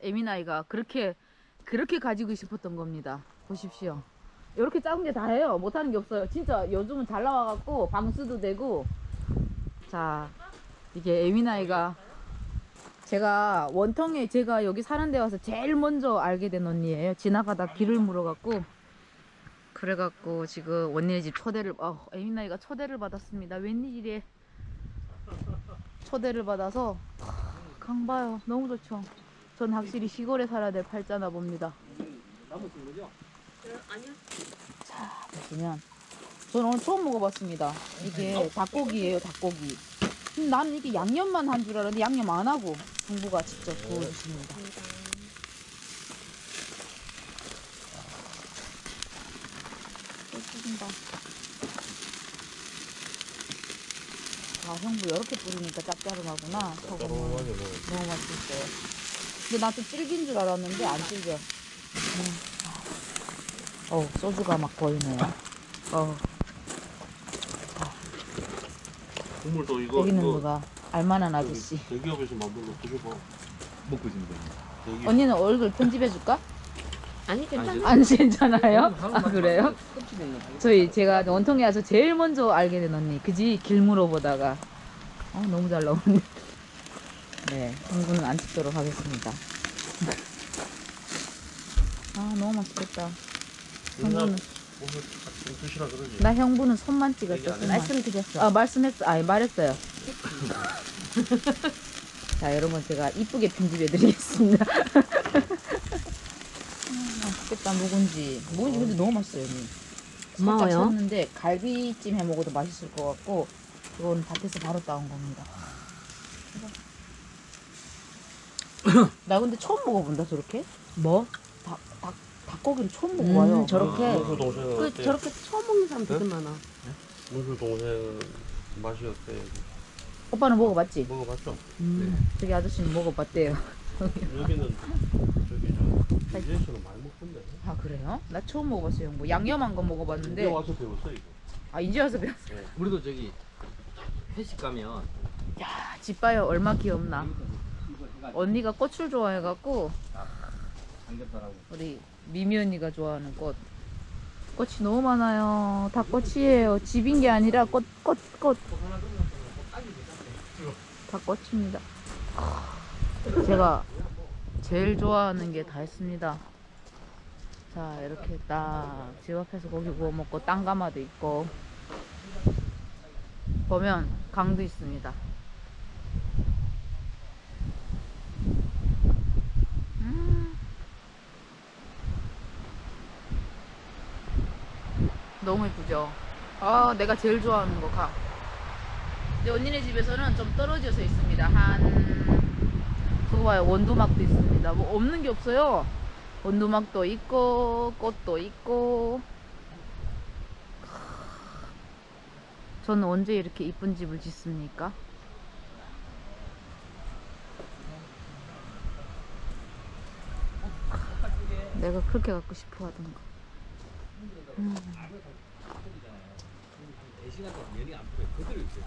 에미나이가 그렇게 가지고 싶었던 겁니다. 보십시오. 이렇게 작은 게 다 해요. 못하는 게 없어요. 진짜 요즘은 잘 나와갖고 방수도 되고. 자, 이게 에미나이가 제가 원통에 제가 여기 사는 데 와서 제일 먼저 알게 된 언니예요. 지나가다 길을 물어갖고 그래갖고 지금 언니네 집 초대를 에미나이가 초대를 받았습니다. 웬일이래. 초대를 받아서 강봐요. 너무 좋죠. 전 확실히 시골에 살아야 될 팔자나 봅니다. 남으신 거죠? 아니요. 자, 보시면 저는 오늘 처음 먹어봤습니다. 이게 닭고기예요, 닭고기. 나는 이게 양념만 한 줄 알았는데 양념 안 하고 중부가 직접 구워주십니다. 또 튀긴다. 아, 형부 이렇게 뿌리니까 짭짤하구나. 소금은 너무 맛있어요. 근데 나 또 질긴 줄 알았는데 안 질겨. 소주가 막 보이네요. 국물도 이거 여기는 이거 누가 알만한 아저씨. 대기업에서 만든 거 드셔봐. 먹고 있는 거예요. 대기업. 언니는 얼굴 편집해줄까? 아니 괜찮아. 안 괜찮아요? 아, 그래요? 제가 원통에 와서 제일 먼저 알게 된 언니. 그지? 길 물어보다가. 너무 잘 나오는데. 네, 공부는 안 찍도록 하겠습니다. 너무 맛있겠다. 형부는, 오늘 좀 드시라 그러지. 나 형부는 손만 찍었어. 손만. 말씀드렸어. 말씀했어. 말했어요. 자, 여러분 제가 이쁘게 편집해 드리겠습니다. 맛있겠다. 묵은지 근데 너무 맛있어요. 언니. 고마워요. 살짝 쳤는데 갈비찜 해 먹어도 맛있을 것 같고 이건 밭에서 바로 따온 겁니다. 나 근데 처음 먹어본다 저렇게. 뭐? 닭고기를 처음 먹어봐요. 저렇게. 문수 동생 그 어때? 저렇게 처음 먹는 사람 되게 많아. 문수 동생 맛이 어때? 오빠는 먹어봤지? 먹어봤죠? 저기 아저씨는 먹어봤대요. 여기는 저기 인제에서는 많이 먹던데. 아, 그래요? 나 처음 먹어봤어요. 뭐 양념한 거 이제 먹어봤는데. 와서 배웠어 이거. 이제 와서 배웠어. 우리도 저기 회식 가면 야, 집 봐요. 얼마 귀엽나. 언니가 꽃을 좋아해갖고 삼겹살하고 우리 미미 언니가 좋아하는 꽃이 너무 많아요. 다 꽃이에요. 집인 게 아니라 꽃. 다 꽃입니다. 제가 제일 좋아하는 게 다 했습니다. 자, 이렇게 딱 집 앞에서 고기 구워 먹고 땅가마도 있고 보면 강도 있습니다. 너무 예쁘죠? 내가 제일 좋아하는 거 가. 근데 언니네 집에서는 좀 떨어져서 있습니다. 그거 봐요. 원두막도 있습니다. 뭐 없는 게 없어요. 원두막도 있고 꽃도 있고. 저는 언제 이렇게 이쁜 집을 짓습니까? 내가 그렇게 갖고 싶어 하던 거. 시간 동안 면이 안 풀어요. 그대로 있어요.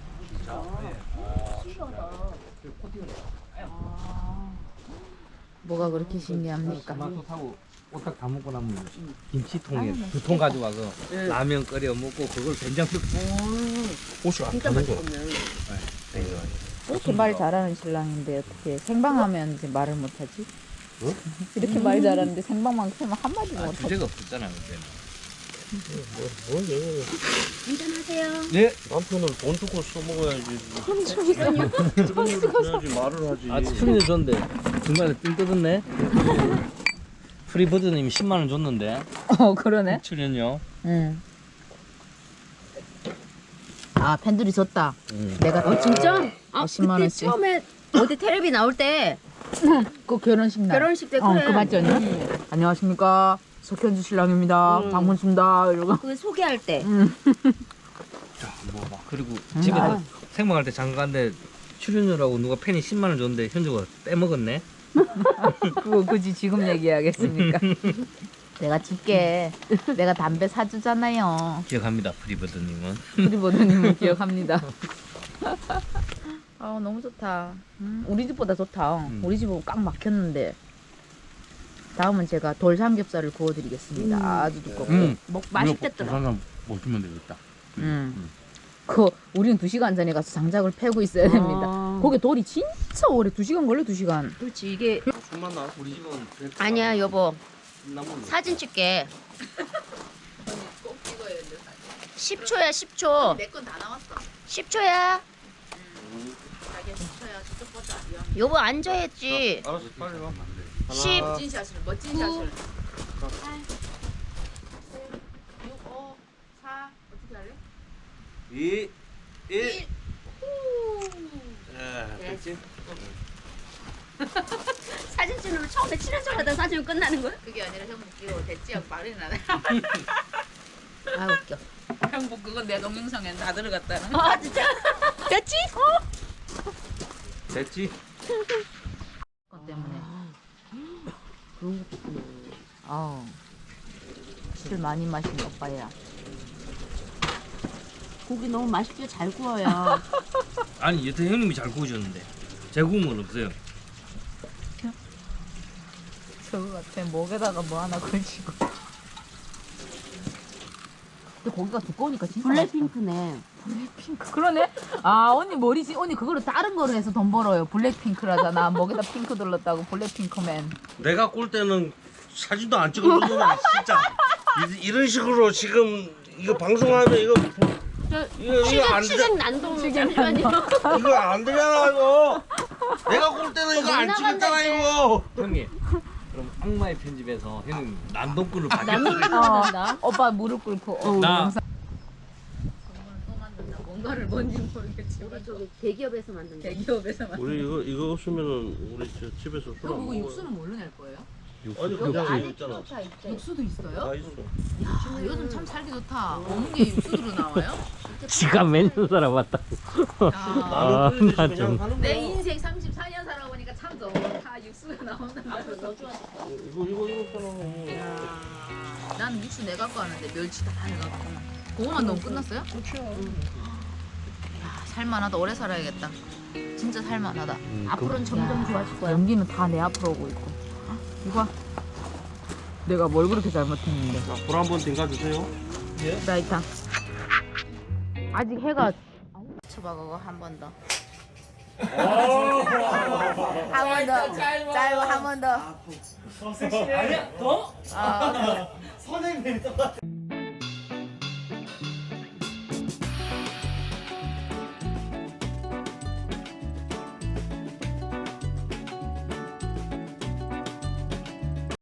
뭐가 그렇게 신기합니까? 토마토 타고 오딱 다 먹고 나면 김치통에 2통 가져와서 라면 끓여 먹고 그걸 된장 넣고 옷이 안 진짜 타는 거. 맛있거든. 이렇게 말 잘하는 신랑인데 어떻게 생방하면 이제 말을 못하지? 어? 이렇게 말 잘하는데 생방만 하면 한마디도 못하지? 주제가 없었잖아요 그때는. 뭐 한잔하세요. 네. 남편을 돈 주고 써먹어야지. 해야지 말을 하지. 아 출연료 줬는데 중간에 띵 뜯었네. 프리버드님이 10만 원 줬는데 그러네. 출연료. 응. 팬들이 줬다. 응. 내가 진짜? 10만 그때 원씩. 처음에 어디 텔레비 나올 때 그 결혼식 날. 결혼식 때 그래. 그 맞지 언니? 안녕하십니까. 석현주 신랑입니다. 방문습니다. 이러고. 그 소개할 때. 자, 뭐 막 그리고 집에 생방할 때 잠깐 갔는데 출연료라고 누가 팬이 10만 원 줬는데 현주가 빼먹었네. 그거 굳이 지금 얘기하겠습니까? 내가 줄게. 내가 담배 사주잖아요. 기억합니다, 프리버드님은. 프리버드님은 기억합니다. 너무 좋다. 우리 집보다 좋다. 우리 집은 꽉 막혔는데. 다음은 제가 돌 삼겹살을 구워드리겠습니다. 아주 두껍고. 맛있겠더라. 하나 먹으면 되겠다. 그 우리는 2시간 전에 가서 장작을 패고 있어야 됩니다. 아. 거기 돌이 진짜 오래 2시간 걸려 2시간. 그렇지 이게 손만 나. 우리 집은 아니야 여보 나무 사진 찍게. 10초야 10초. 내 건 다 나왔어. 10초야. 자기야 10초야. 저쪽 보자. 여보 앉아야지. 알았어, 빨리 와. 10. 멋진 샷을 멋진 샷을. 8 6 5 4 어떻게 할래? 2, 1. 됐지. 사진 찍으면 처음에 친한 척 하다 사진 끝나는 거야? 그게 아니라 형 웃기고 됐지 하고 말이 나네. 아 웃겨. 형부 그건 내 동영상에 다 들어갔다는. 아 진짜? 됐지? 됐지? 것 때문에. 그런 것도 있구나. 술 많이 마신 오빠야. 고기 너무 맛있게 잘 구워요. 아니 여태 형님이 잘 구우셨는데 제 구운 건 없어요. 저거 같아. 목에다가 뭐 하나 걸치고. 근데 고기가 두꺼우니까 진짜 블랙핑크네. 블랙핑크. 그러네. 아 언니 머리지. 언니 그거를 다른 거로 해서 돈 벌어요. 블랙핑크라잖아. 목에다 핑크 둘렀다고 블랙핑크맨. 내가 꿀 때는 사진도 안 찍어주더만 진짜. 이런 식으로 지금 이거 방송하면 이거 안 돼. 취객 난동 잠시만요. 이거 안 되잖아 이거. 내가 꿀 때는 이거 안 찍었잖아 이거. 형님 그럼 악마의 편집에서 형님 난동꾼을 난동 받겠습니다. 오빠 무릎 꿇고. 나 영상. 또 만든다. 뭔가를 뭔지 모르겠지만 저기 대기업에서 만든 거. 대기업에서 만. 우리 이거 없으면은 우리 저 집에서 술 안 그거 먹어. 육수는 뭘로 낼 거예요? 아니 그냥 이거 있잖아. 육수도 있어요? 다 있어. 야, 요즘 참 살기 좋다. 먹는 게 육수로 나와요? 지가 몇년 살아봤다. 야, 나는 끓여서 나 그냥 좀. 하는 내 거야. 인생 34년 살아보니까 참 좋다. 육수가 나온다. 이거 있잖아. 나는 육수 내 갖고 하는데 멸치 다 해갖고. 그거만 넣으면 끝났어요? 그렇죠. 야, 살만하다. 오래 살아야겠다. 진짜 살만하다. 앞으로는 점점 좋아질 거야. 연기는 다 내 앞으로 오고 있고. 이거 내가 뭘 그렇게 잘못했는데. 불 한번 담가주세요. 라이터. 아직 해가 쳐봐 그거 한 번 더. 한 번 더. 짧고 한 번 더. 아니야 더? 아. 선생님이 똑같아.